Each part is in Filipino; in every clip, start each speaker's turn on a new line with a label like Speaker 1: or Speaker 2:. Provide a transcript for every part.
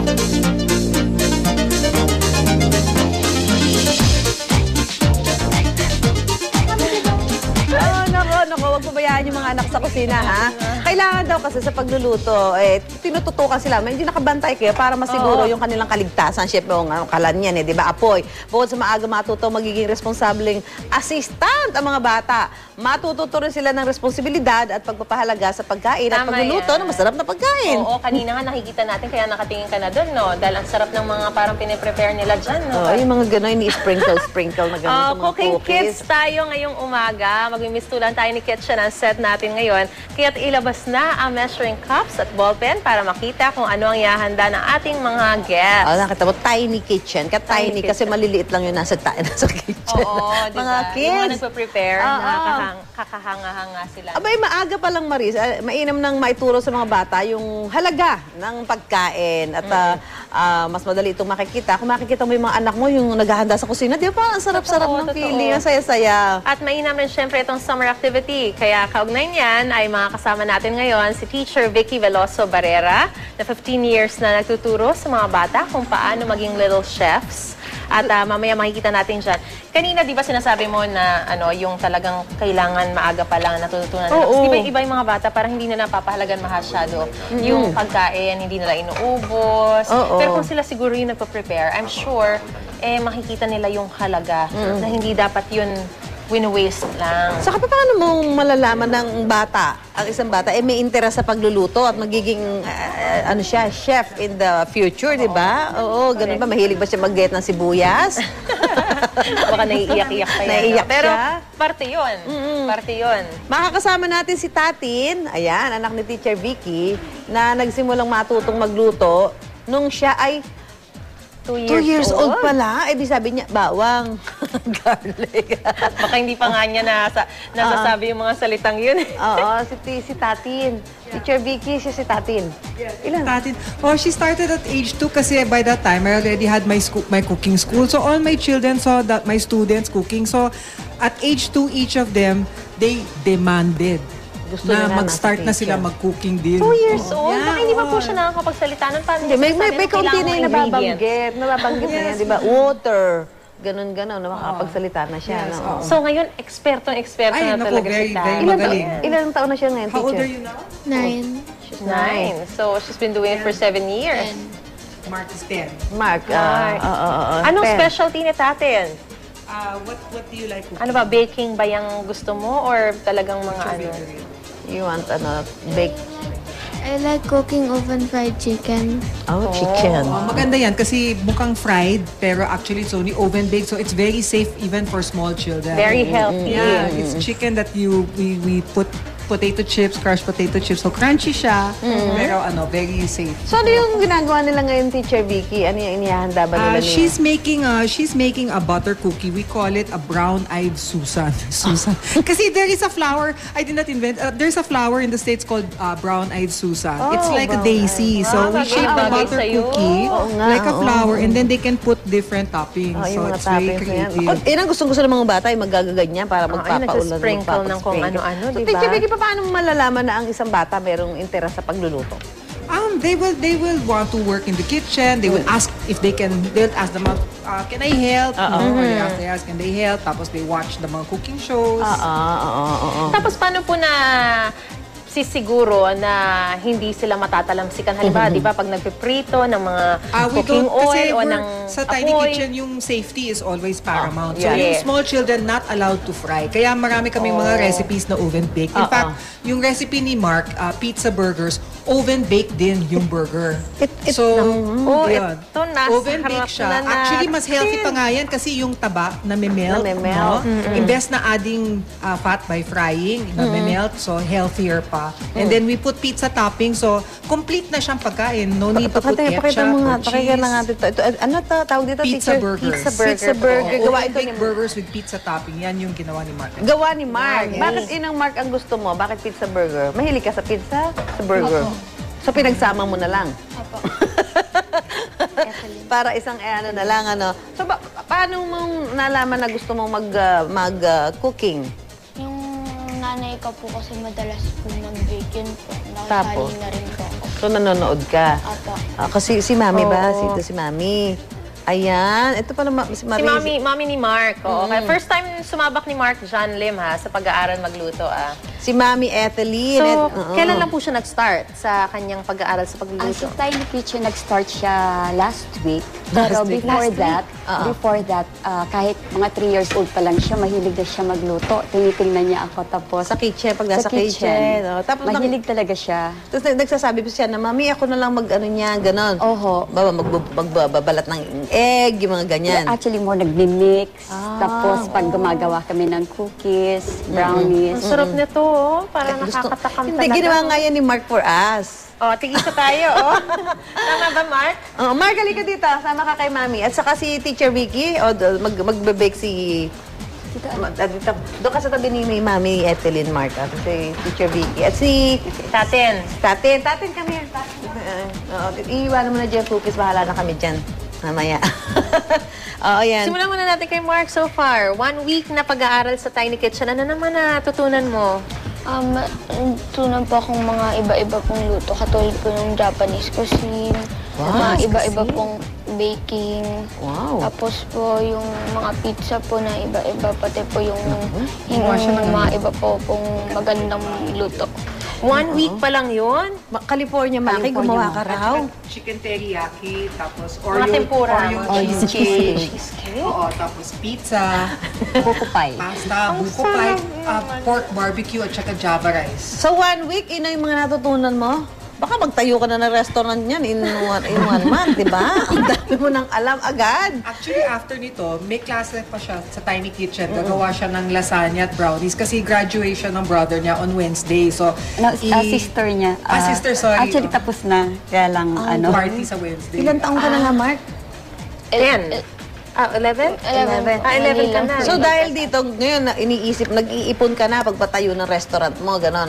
Speaker 1: Huwag pabayaan yung mga anak sa kusina, ha? Kailangan daw kasi sa pagluluto, tinututukan sila. Hindi nakabantay kayo para masiguro yung kanilang kaligtasan. Siyempre, kalan yan, di ba? Apoy. Bukod sa maaga matuto, magiging responsableng assistant ang mga bata. Matututo rin sila ng responsibilidad at pagpapahalaga sa pagkain at pagluluto ng masarap na pagkain.
Speaker 2: Oo, kanina nga nakikita natin, kaya nakatingin ka na doon, no? Dahil ang sarap ng mga parang piniprepare nila dyan, no?
Speaker 1: Yung mga gano'n, ini-sprinkle na gano'n.
Speaker 2: Cooking kits tayo ngayong umaga. Magmimistulan tayo ni Kitchen ang set natin ngayon. Kaya't ilabas na ang measuring cups at ballpen para makita kung ano ang ihahanda ng ating mga guests.
Speaker 1: Nakita mo, tiny kitchen. Tiny kasi maliliit lang yung nasa kitchen.
Speaker 2: Oo, diba?
Speaker 1: Mga kids.
Speaker 2: Yung mga nagpa-prepare, kakahanga-hanga sila.
Speaker 1: Abay, maaga pa lang, Maris. Mainam nang maituro sa mga bata yung halaga ng pagkain. At mas madali itong makikita. Kung makikita mo yung mga anak mo, yung naghahanda sa kusina, di ba? Ang sarap-sarap ng feeling. Ang saya-saya.
Speaker 2: At mainam rin syempre itong summer activity. Kaya kaugnay niyan ay mga kasama natin ngayon si Teacher Vicky Veloso Barrera na 15 years na nagtuturo sa mga bata kung paano maging little chefs. At mamaya makikita natin dyan. Kanina, di ba sinasabi mo na yung talagang kailangan maaga pa lang natutunan nila? Di ba iba yung mga bata parang hindi na napapahalagan masyado yung pagkain, hindi nila inuubos. Pero kung sila siguro yung nagpa-prepare, I'm sure makikita nila yung halaga na hindi dapat yun win-waste lang.
Speaker 1: Saka paano mo malalaman ng bata, ang isang bata, may interest sa pagluluto at magiging, siya, chef in the future, di ba? Oo, ganun ba? Mahilig ba siya mag-get ng sibuyas?
Speaker 2: Baka naiiyak-iyak pa yan.
Speaker 1: Naiiyak
Speaker 2: pero
Speaker 1: siya?
Speaker 2: parte yun. Parte yun.
Speaker 1: Makakasama natin si Tatin, ayan, anak ni Teacher Vicky, na nagsimulang matutong magluto nung siya ay 2 years old pala. Di sabi niya, bawang, garlic.
Speaker 2: Baka hindi pa nga niya nasasabi yung mga salitang yun.
Speaker 1: Oo, si Tatin. Teacher Vicky, si Tatin.
Speaker 3: Ilan? Tatin. Oh, she started at age 2 kasi by that time, I already had my cooking school. So all my children saw that my students cooking. So at age 2, each of them, they demanded na mag-start na sila mag-cooking din.
Speaker 2: 2 years old? Baka hindi pa po siya nakakapagsalita nun.
Speaker 1: May kaunti na yung nababanggit. Nababanggit na yan, di ba? Water. Ganon-ganon, na makakapagsalita na siya.
Speaker 2: So ngayon, eksperto na talaga si Tay.
Speaker 3: Very magaling.
Speaker 1: Ilang taon na siya ngayon, teacher?
Speaker 3: How old are you now?
Speaker 4: 9.
Speaker 2: She's 9. So she's been doing it for 7 years.
Speaker 3: Mark is 10.
Speaker 1: Mark.
Speaker 2: Anong specialty ni Tatin?
Speaker 3: What do you like cooking?
Speaker 2: Ano ba, baking ba yung gusto mo or talagang mga
Speaker 1: You want bake?
Speaker 4: I like cooking oven-fried chicken.
Speaker 1: Oh, chicken.
Speaker 3: Maganda yan kasi mukhang fried pero actually it's only oven-baked so it's very safe even for small children.
Speaker 2: Very healthy.
Speaker 3: Yeah, it's chicken that we put potato chips, crushed potato chips. So crunchy siya pero very safe.
Speaker 1: So ano yung ginagawa nila ngayon, Teacher Vicky? Ano yung inihahanda ba nila niya?
Speaker 3: She's making a butter cookie. We call it a brown-eyed Susan. Kasi there is a flower, I did not invent, there's a flower in the States called brown-eyed Susan. It's like a daisy. So we shape a butter cookie like a flower and then they can put different toppings. So it's very creative.
Speaker 1: Ang gustong-gusto ng mga bata ay magaganyan para magpapaulan.
Speaker 2: Sprinkle ng kung ano-ano,
Speaker 1: so,
Speaker 2: diba?
Speaker 1: Teacher Vicky, paano malalaman na ang isang bata merong interest sa pagluluto?
Speaker 3: They will want to work in the kitchen. They will ask if they can. They'll ask them, can I help? Or they ask, can they help? Tapos they watch the mga cooking shows.
Speaker 2: Tapos paano po na sisiguro na hindi sila matatalamsikan? Halimbawa, di ba, pag nagpiprito ng mga cooking oil o ng
Speaker 3: sa tiny kitchen, yung safety is always paramount. So,
Speaker 2: Yeah.
Speaker 3: yung small children not allowed to fry. Kaya marami kaming mga recipes na oven-baked. In fact, yung recipe ni Mark, pizza burgers, oven-baked din yung burger. So, yun.
Speaker 2: Ito nasa
Speaker 3: Oven-baked siya.
Speaker 2: harap na
Speaker 3: Actually, mas healthy pa nga yan kasi yung taba na melt. No? Imbes na adding fat by frying, na melt, so healthier pa. And then we put pizza topping, so complete na siyang pagkain. No need to put ketchup or cheese.
Speaker 1: Pakita na nga dito. Ano tawag dito,
Speaker 3: Pizza
Speaker 1: teacher?
Speaker 3: burgers.
Speaker 1: Pizza burger. Gawa ito
Speaker 3: Oven-baked burgers with pizza topping. Yan yung ginawa ni Mark.
Speaker 1: Gawa ni Mark. Bakit inang Mark ang gusto mo? Bakit pizza burger? Mahilig ka sa pizza? Sa burger? So pinagsama mo na lang?
Speaker 4: Opo.
Speaker 1: Para isang na lang, So paano mong nalaman na gusto mong mag-cooking?
Speaker 4: Yung nanay ko po kasi madalas po mag-bake yun po.
Speaker 1: Tapos?
Speaker 4: Nakasali na rin po ako.
Speaker 1: So, nanonood ka.
Speaker 4: Opo.
Speaker 1: Kasi si Mami ba? Si Mami. Ayan. Ito pala si Mami.
Speaker 2: Si Mami ni Mark. Oo. Kaya first time sumabak ni Mark John Lim ha, sa pag-aaral magluto.
Speaker 1: Si Mami Etheline.
Speaker 2: So, kailan lang po siya nag-start sa kanyang pag-aaral sa
Speaker 5: Sa
Speaker 2: pagluluto?
Speaker 5: Tiny Kitchen, nag-start siya last week. Pero before that, kahit mga 3 years old pa lang siya, mahilig na siya magluto. Tinitingnan niya ako. Tapos,
Speaker 1: Sa kitchen, pag nasa kitchen. Tapos
Speaker 5: mahilig talaga siya.
Speaker 1: Tapos nagsasabi pa siya na, Mami, ako na lang mag-ano niya, ganon.
Speaker 5: Oho.
Speaker 1: Magbabalat ng egg, yung mga ganyan.
Speaker 5: Actually, more nagmi-mix. Tapos, pag gumagawa kami ng cookies, brownies.
Speaker 2: Ang sarap nito, oh. Parang nakakatakam
Speaker 1: Hindi,
Speaker 2: talaga.
Speaker 1: ginawa nga yan ni Mark for us.
Speaker 2: Tigisa tayo, oh. Tama ba, Mark?
Speaker 1: Mark, halika dito. Sama ka kay Mami. At saka si Teacher Vicky, magbe-bake si... Dito, doon ka sa tabi ni Mami Etheline, Mark. At si Teacher Vicky. At si...
Speaker 2: Tatin.
Speaker 1: Tatin, come here. Iiwanan mo na dyan, cookies. Bahala na kami dyan. Mamaya. Yan.
Speaker 2: Simulan muna natin kay Mark so far. 1 week na pag-aaral sa Tiny Kitchen. Ano naman natutunan mo?
Speaker 4: Tunan po akong mga iba-iba pong luto, katulad po ng Japanese cuisine, mga iba-iba pong baking.
Speaker 1: Wow.
Speaker 4: Tapos po yung mga pizza po na iba-iba, pati po yung mga iba po pong magandang luto.
Speaker 2: 1 week pa lang yun?
Speaker 1: California, Maki, gumawa ka raw.
Speaker 3: Chicken teriyaki, tapos
Speaker 2: Mga tempura.
Speaker 3: Oreo cheesecake.
Speaker 5: Cheesecake.
Speaker 3: Oo, tapos pizza,
Speaker 5: Buko pie.
Speaker 3: pasta, buko pie, pork barbecue, at saka java rice.
Speaker 1: So 1 week, ino yung mga natutunan mo? Baka magtayo ka na ng restaurant niyan in one month, di ba? Ang dami mo nang alam agad.
Speaker 3: Actually, after nito, may klase pa siya sa Tiny Kitchen. Gagawa siya ng lasagna at brownies kasi graduation ng brother niya on Wednesday. So,
Speaker 5: Sister niya.
Speaker 3: sister, sorry.
Speaker 5: Actually, tapos na. Kaya lang,
Speaker 3: party sa Wednesday.
Speaker 1: Ilan taong ka na nga, Mark?
Speaker 2: 10. 11?
Speaker 4: 11.
Speaker 2: 11 ka na.
Speaker 1: So dahil dito, ngayon na iniisip, nag-iipon ka na pagpatayo ng restaurant mo, ganon.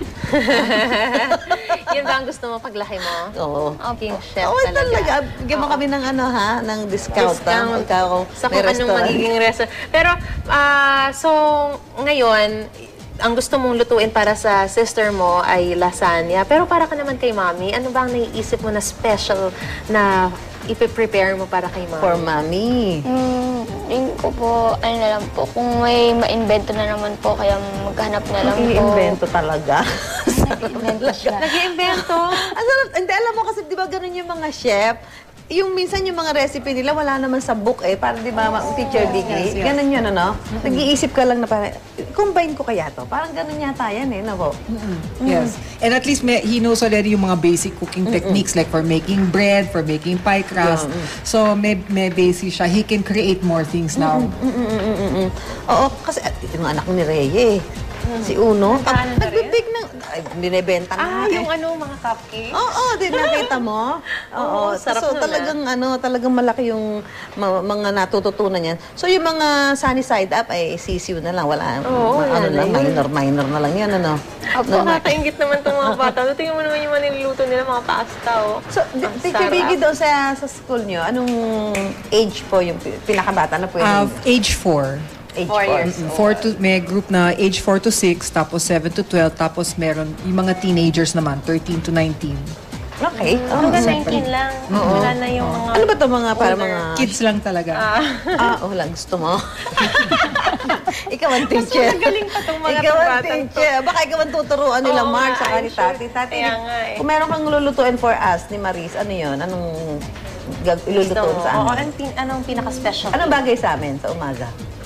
Speaker 2: Yun ba ang gusto mo paglaki mo?
Speaker 1: Oo.
Speaker 2: King chef
Speaker 1: Oo,
Speaker 2: talaga.
Speaker 1: talaga. Bigyan mo kami ng ng discount. Pagka
Speaker 2: Sa
Speaker 1: may
Speaker 2: kung anong
Speaker 1: restaurant.
Speaker 2: magiging restaurant. Pero, so, ngayon, ang gusto mong lutuin para sa sister mo ay lasagna. Pero para ka naman kay Mami, ano ba ang naiisip mo na special na ipiprepare mo para kay Mami?
Speaker 1: For Mami.
Speaker 4: Tingin ko po, ano na lang po, kung may ma-invento na naman po, kaya maghanap na lang po.
Speaker 1: I-invento talaga.
Speaker 5: Nag-invento siya.
Speaker 2: Nag-iimbento?
Speaker 1: Ang sarap. Hindi, alam mo kasi, di ba ganun yung mga chef? Yung minsan yung mga recipe nila, wala naman sa book eh. Parang di ba, Teacher Vicky? Ganun yun, ano? Nag-iisip ka lang na parang, combine ko kaya to? Parang ganun yata yan eh, no?
Speaker 3: Yes. And at least he knows already yung mga basic cooking techniques like for making bread, for making pie crust. So may basic siya. He can create more things now.
Speaker 1: Oo, kasi yung anak ni Reye, si Uno,
Speaker 2: Nagkaano na rin?
Speaker 1: nagbibig ng, binibenta na.
Speaker 2: Yung mga cupcakes?
Speaker 1: Oo, din nakita mo. Oo,
Speaker 2: sarap
Speaker 1: so
Speaker 2: nun,
Speaker 1: talagang talagang malaki yung mga natututunan niyan. So yung mga sunny side up ay sisiw na lang, wala. Minor na lang 'yan, ano.
Speaker 2: Nakakaingit naman itong mga bata. Tingnan mo naman yung niluluto nila, mga pasta.
Speaker 1: So, Teacher Vicky, doon sa school niyo, anong age po yung pinakabata na pwede?
Speaker 3: Age 4.
Speaker 1: Age
Speaker 2: 4 years.
Speaker 3: May group na age 4 to 6, tapos 7 to 12, tapos meron yung mga teenagers naman, 13 to 19.
Speaker 1: Okay.
Speaker 2: Hanggang 19 lang. Wala na yung mga...
Speaker 1: Ano ba ito mga para mga...
Speaker 3: Kids lang talaga.
Speaker 1: wala. Gusto mo? Ikaw ang teacher.
Speaker 2: Magaling pa itong mga
Speaker 1: Ikaw ang
Speaker 2: batang to.
Speaker 1: teacher. Baka ikaw ang tuturuan nila,
Speaker 2: Oo
Speaker 1: Mark,
Speaker 2: nga,
Speaker 1: sa
Speaker 2: I'm
Speaker 1: ni
Speaker 2: sure.
Speaker 1: Tati. Tati,
Speaker 2: Kaya nga eh.
Speaker 1: kung meron kang lulutuin for us ni Maris, ano yun? Anong ilulutuin sa amin?
Speaker 2: Anong pinaka-special?
Speaker 1: Anong bagay sa amin sa umaga?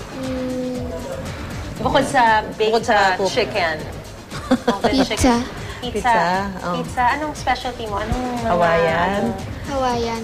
Speaker 2: Bukod sa baked
Speaker 1: cook.
Speaker 2: chicken.
Speaker 4: Pizza.
Speaker 1: Pizza, oh.
Speaker 2: Pizza. Anong specialty mo? Anong mga...
Speaker 1: Hawaiian?
Speaker 4: Hawaiian.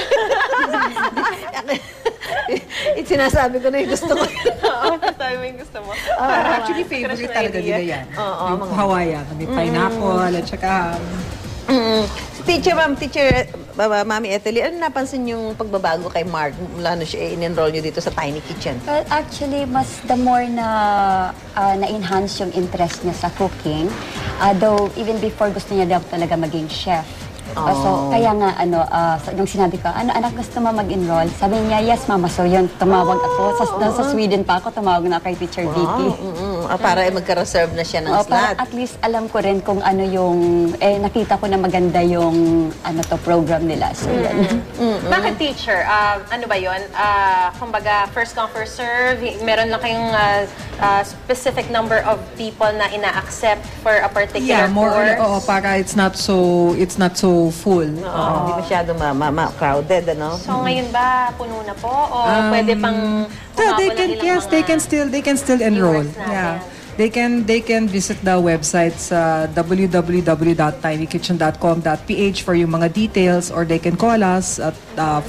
Speaker 1: Sinasabi ko na yung gusto ko.
Speaker 2: Oo, sabi mo yung gusto mo.
Speaker 3: Actually, favorite talaga nila yan. Yung Hawaiian. May pineapple, at saka...
Speaker 1: Teacher, Mami Ethely, ano napansin yung pagbabago kay Mark mula na siya in-enroll niyo dito sa Tiny Kitchen?
Speaker 5: Well, actually, the more na-enhance yung interest niya sa cooking. Though, even before gusto niya daw talaga maging chef. So, kaya nga, nung sinabi ko, anak, gusto mo mag-enroll? Sabi niya, yes, mama. So, yun, tumawag ako. Sa Sweden pa ako, tumawag na kay Teacher Vicky.
Speaker 1: Para magka-reserve na siya ng slot.
Speaker 5: Para at least alam ko rin kung ano yung, nakita ko na maganda yung, program nila. So, yan.
Speaker 2: Bakit teacher? Ano ba yun? Kumbaga, first come, first serve, meron lang kayong specific number of people na ina-accept for a particular
Speaker 3: Yeah, more
Speaker 2: course?
Speaker 3: or para it's not so full.
Speaker 1: Hindi masyado crowded, ano?
Speaker 2: So ngayon ba puno na po o pwede pang
Speaker 3: Yeah,
Speaker 2: humabol ng ilang mga
Speaker 3: they can still enroll.
Speaker 2: viewers natin?
Speaker 3: Yeah. They can visit the website sa www.tinykitchen.com.ph for yung mga details, or they can call us at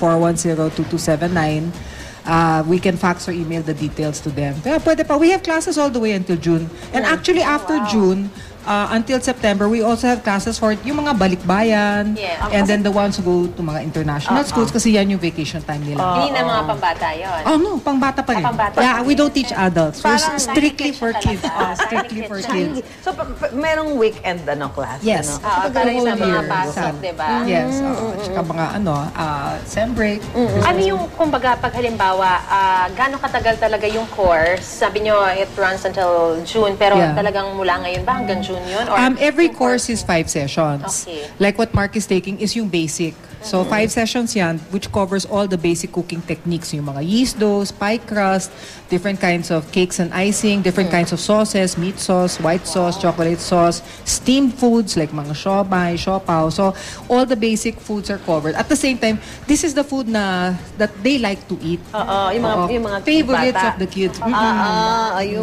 Speaker 3: 410-2279. We can fax or email the details to them. Pero pwede pa. We have classes all the way until June. And actually after June, until September, we also have classes for yung mga balikbayan,
Speaker 2: Yeah.
Speaker 3: and then the ones who go to mga international schools kasi yan yung vacation time nila.
Speaker 2: Hindi na mga pambata yun.
Speaker 3: Oh no, pangbata pa rin.
Speaker 2: Pangbata.
Speaker 3: Yeah, we don't teach adults. We're
Speaker 1: Parang
Speaker 3: strictly
Speaker 2: tiny
Speaker 3: for
Speaker 2: kitchen
Speaker 3: kids.
Speaker 2: talaga.
Speaker 3: Strictly for kids.
Speaker 1: So, merong weekend class?
Speaker 3: Yes.
Speaker 1: Ano?
Speaker 2: Para sa mga
Speaker 3: year.
Speaker 2: pasok, di ba?
Speaker 3: Yes. At saka mga sem break.
Speaker 2: Ano yung, kumbaga, pag halimbawa, gaano katagal talaga yung course? Sabi nyo, it runs until June, pero
Speaker 3: Yeah.
Speaker 2: talagang mula ngayon ba hanggang June yun? Or
Speaker 3: Every course is 5 sessions.
Speaker 2: Okay.
Speaker 3: Like what Mark is taking is yung basic. So 5 sessions yan, which covers all the basic cooking techniques. Yung mga yeast doughs, pie crust, different kinds of cakes and icing, different kinds of sauces, meat sauce, white sauce, chocolate sauce, steamed foods like mga siomai, siopaw. So all the basic foods are covered. At the same time, this is the food that they like to eat.
Speaker 1: Yung mga
Speaker 3: favorites
Speaker 1: bata.
Speaker 3: of the kids.
Speaker 1: Yung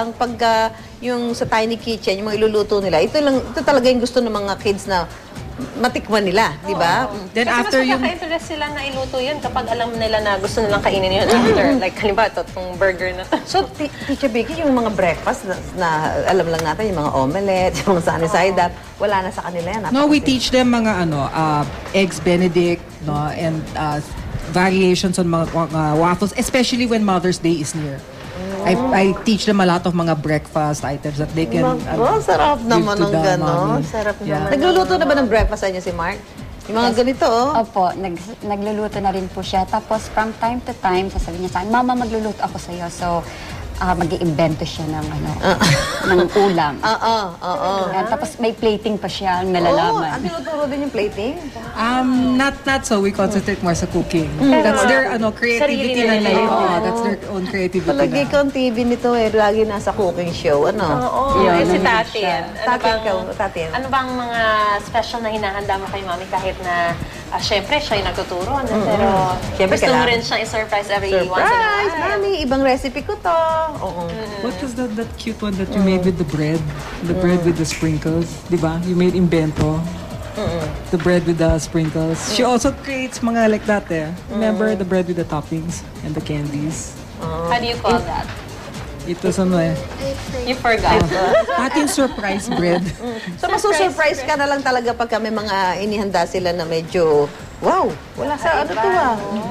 Speaker 1: yung sa Tiny Kitchen, yung mga iluluto nila, ito talaga yung gusto ng mga kids na matikman nila, di ba?
Speaker 3: Then
Speaker 2: Kasi
Speaker 3: after
Speaker 2: mas
Speaker 3: yung
Speaker 2: magkaka-interest sila na iluto yun kapag alam nila na gusto nilang kainin yun after. Like, halimbawa, itong burger na to.
Speaker 1: So, Teacher Vicky, yung mga breakfast na alam lang natin, yung mga omelette, yung mga sunny side up, wala na sa kanila yan.
Speaker 3: No, we teach them mga eggs Benedict, no, and variations on mga waffles, especially when Mother's Day is near. I teach them a lot of mga breakfast items that they can
Speaker 1: Sarap
Speaker 3: give
Speaker 1: naman
Speaker 3: to
Speaker 1: ng
Speaker 3: the
Speaker 1: gano'n.
Speaker 3: mommy.
Speaker 1: Sarap
Speaker 3: Yeah.
Speaker 1: naman. Nagluluto na ba ng breakfast sa inyo si Mark? Yung mga ganito,
Speaker 5: Opo, nagluluto na rin po siya. Tapos from time to time, sasabihin niya sa akin, Mama, magluluto ako sa'yo. So, mag-iimbento siya ng ng ulam. Yan, tapos may plating pa siya ang nalalaman.
Speaker 1: Ang tinuturo din yung plating?
Speaker 3: Not so. We concentrate more sa cooking. That's their creativity
Speaker 2: Sarili
Speaker 3: na
Speaker 2: nila
Speaker 3: yun.
Speaker 2: yun.
Speaker 3: That's their own creativity
Speaker 1: Palagi
Speaker 3: na.
Speaker 1: ka ang TV nito lagi nasa cooking show,
Speaker 2: Oo,
Speaker 5: Yun,
Speaker 2: si
Speaker 5: nandun
Speaker 2: Tatin.
Speaker 5: siya.
Speaker 1: Tatin.
Speaker 2: Ano bang mga special na hinahanda mo kay Mami kahit na, syempre, siya yung nagtuturo, no? Pero
Speaker 1: Siyempre,
Speaker 2: gusto mo
Speaker 1: kailangan.
Speaker 2: rin siyang i-surprise every once in a
Speaker 1: Surprise!
Speaker 2: while.
Speaker 1: Mami, ibang recipe ko to. Oo.
Speaker 3: What was that cute one that you made with the bread? The bread with the sprinkles, di ba? You made invento. The bread with the sprinkles. She also creates mga like that eh. Remember the bread with the toppings and the candies?
Speaker 2: How do you call that?
Speaker 3: It was
Speaker 2: You forgot.
Speaker 3: Ating surprise bread.
Speaker 1: So, masusurprise ka na lang talaga pag may mga inihanda sila na medyo, wow, wala sa ano to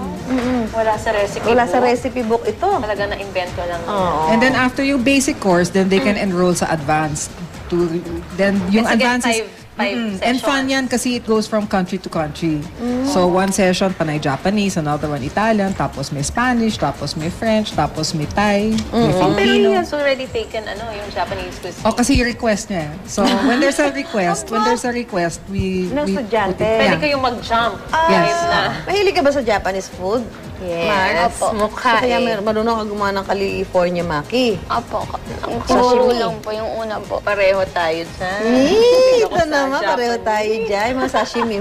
Speaker 2: Wala sa recipe
Speaker 1: Wala sa
Speaker 2: book.
Speaker 1: recipe book ito.
Speaker 2: Talaga na-invento lang.
Speaker 3: And then after yung basic course, then they can enroll sa advanced. Then yung
Speaker 2: Kasi
Speaker 3: advanced is
Speaker 2: five
Speaker 3: and fun
Speaker 2: sessions.
Speaker 3: yan kasi it goes from country to country. So one session panay Japanese, another one Italian, tapos may Spanish, tapos may French, tapos may Thai, may
Speaker 2: Pero
Speaker 3: Filipino.
Speaker 2: he has already taken yung Japanese cuisine.
Speaker 3: Oh, kasi request niya. So when there's a request, we
Speaker 1: Ng
Speaker 3: we
Speaker 1: estudyante.
Speaker 3: put it-
Speaker 2: Pwede
Speaker 3: yeah.
Speaker 2: kayong mag-jump.
Speaker 3: Yes.
Speaker 2: Kahit na.
Speaker 1: Mahilig ka ba sa Japanese food?
Speaker 2: Yes.
Speaker 1: Mark?
Speaker 2: Mukha
Speaker 1: So, kaya
Speaker 2: eh.
Speaker 1: marunong ka gumawa ng California maki.
Speaker 4: Apo, ang tinuro lang po yung una po.
Speaker 2: Pareho tayo dyan.
Speaker 1: Ito naman, pareho tayo dyan. Mga sashimi.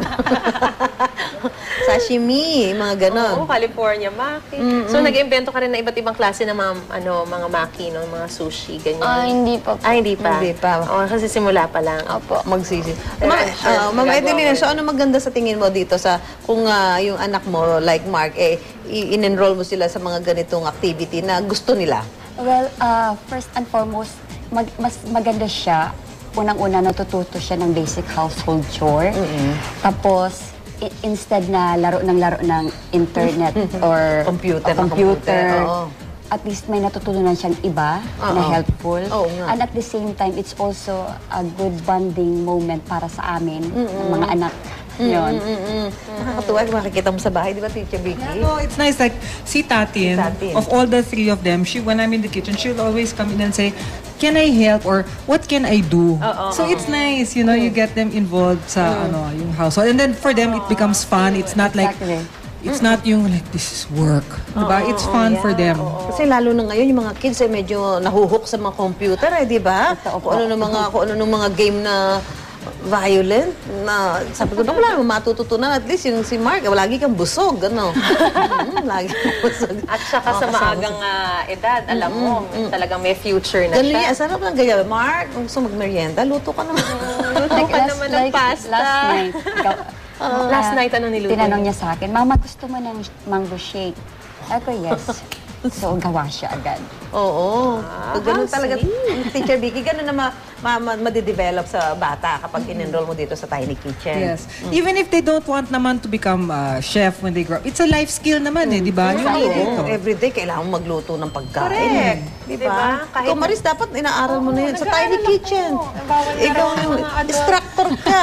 Speaker 1: Sashimi, mga ganon.
Speaker 2: Oo, California maki. So, nag-invento ka rin na iba't ibang klase ng mga maki, no? Mga sushi, ganyan.
Speaker 4: Hindi pa po.
Speaker 2: Hindi pa.
Speaker 1: Hindi pa.
Speaker 2: Oo, kasi simula pa lang.
Speaker 4: Apo.
Speaker 1: Magsisi.
Speaker 2: Sure,
Speaker 1: Ma'am
Speaker 2: magagawa
Speaker 1: Edelina,
Speaker 2: mo
Speaker 1: so ano maganda sa tingin mo dito sa kung yung anak mo, like Mark, in-enroll mo sila sa mga ganitong activity na gusto nila?
Speaker 5: Well, first and foremost, mas maganda siya. Unang-una, natututo siya ng basic household chore. Tapos, instead na laro ng internet or
Speaker 1: Computer, oo.
Speaker 5: at least may natutunan siyang iba na helpful.
Speaker 1: Oo nga.
Speaker 5: And at the same time, it's also a good bonding moment para sa amin, ng mga anak. Yun.
Speaker 1: Nakakatuwa kung makikita mo sa bahay, di ba, Teacher Vicky?
Speaker 3: No, it's nice. Like, si Tatin,
Speaker 1: Tatin.
Speaker 3: of all the three of them, when I'm in the kitchen, she'll always come in and say, can I help? Or, what can I do? So, it's nice, you know, you get them involved sa, yung household. And then, for them, it becomes fun. It's not like,
Speaker 5: Exactly.
Speaker 3: it's not yung, like, this is work. Diba? It's fun for them.
Speaker 1: Kasi lalo na ngayon, yung mga kids ay medyo nahuhook sa mga computer, di ba?
Speaker 5: Totoo po.
Speaker 1: Kung ano ng mga game na violent, na sabi ko, wala naman matututunan. At least yung si Mark, lagi kang busog, ano? Lagi kang busog.
Speaker 2: At saka sa maagang edad, alam mo, talagang may future na
Speaker 1: Ganun
Speaker 2: siya.
Speaker 1: yan, sarap lang ganyan. Mark, kung gusto mag-merienda, luto ka naman.
Speaker 2: Luto ka naman ng pasta.
Speaker 5: Last night,
Speaker 2: Last night, ano niluto?
Speaker 5: tinanong niya sa akin, Mama, gusto mo ng mango shake? Ako, yes. So, gawa siya agad.
Speaker 1: Oo. Pag ganun talaga, Teacher Vicky, ganun na madidevelop sa bata kapag in-enroll mo dito sa Tiny Kitchen.
Speaker 3: Yes. Even if they don't want naman to become chef when they grow up, it's a life skill naman eh, di ba? Yung dito.
Speaker 1: Everyday, kailangan mo magluto ng pagkain.
Speaker 2: Correct.
Speaker 1: Di
Speaker 2: Diba?
Speaker 1: ba?
Speaker 2: Kahit
Speaker 1: Ikaw, Maris, dapat inaaral mo na yun sa Tiny Kitchen. Ikaw yung instructor ka.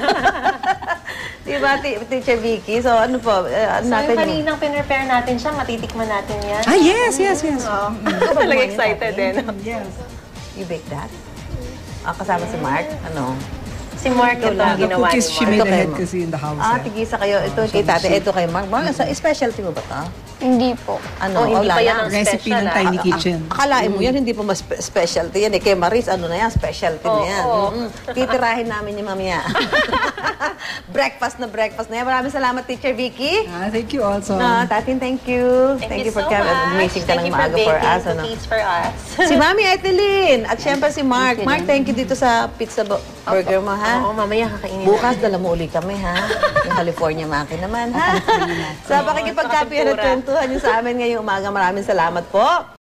Speaker 1: Di ba, Teacher Vicky? So, ano po, ano
Speaker 2: So,
Speaker 1: natin
Speaker 2: yung kaninang pinrepare natin siya, matitikman natin yan.
Speaker 3: Ah, yes.
Speaker 2: Ako talaga excited din.
Speaker 3: Yes.
Speaker 1: You bake that? Kasama si Mark? Ano?
Speaker 2: Si Mark, ito ang
Speaker 3: The
Speaker 2: ginawa ni
Speaker 3: cookies she
Speaker 2: Mark.
Speaker 3: made
Speaker 1: Ito kayo,
Speaker 3: ahead
Speaker 1: ma'am.
Speaker 3: kasi in the house.
Speaker 1: Tigisa kayo. Ito kay tate, ito kay Mark. Mark, specialty mo ba ito?
Speaker 4: Hindi po.
Speaker 1: Ano?
Speaker 2: Hindi
Speaker 1: wala
Speaker 2: pa yan
Speaker 1: na.
Speaker 2: ang
Speaker 3: Recipe
Speaker 2: special,
Speaker 3: ng Tiny Kitchen.
Speaker 1: Akalain mo yan, hindi pa mas specialty yan. Kay Maris, ano na yan, specialty na yan. Titirahin namin yung mamaya. breakfast na yan. Maraming salamat, Teacher Vicky.
Speaker 3: Thank you also.
Speaker 1: Tatin, thank you.
Speaker 2: Thank you
Speaker 1: for
Speaker 2: so
Speaker 1: coming.
Speaker 2: much.
Speaker 1: Amazing ka
Speaker 2: Thank
Speaker 1: lang
Speaker 2: you for
Speaker 1: maaga for
Speaker 2: baking
Speaker 1: us. Ano?
Speaker 2: cookies for us.
Speaker 1: Si Mami Etelyn. At syempre si Mark. Mark, thank you dito sa pizza burger mo, ha?
Speaker 2: Oo, mamaya kakainin
Speaker 1: Bukas, dala mo uli kami, ha? Yung California Maki naman, ha? Sa pakikipagkapihan at kwentuhan niyo sa amin ngayong umaga, maraming salamat po.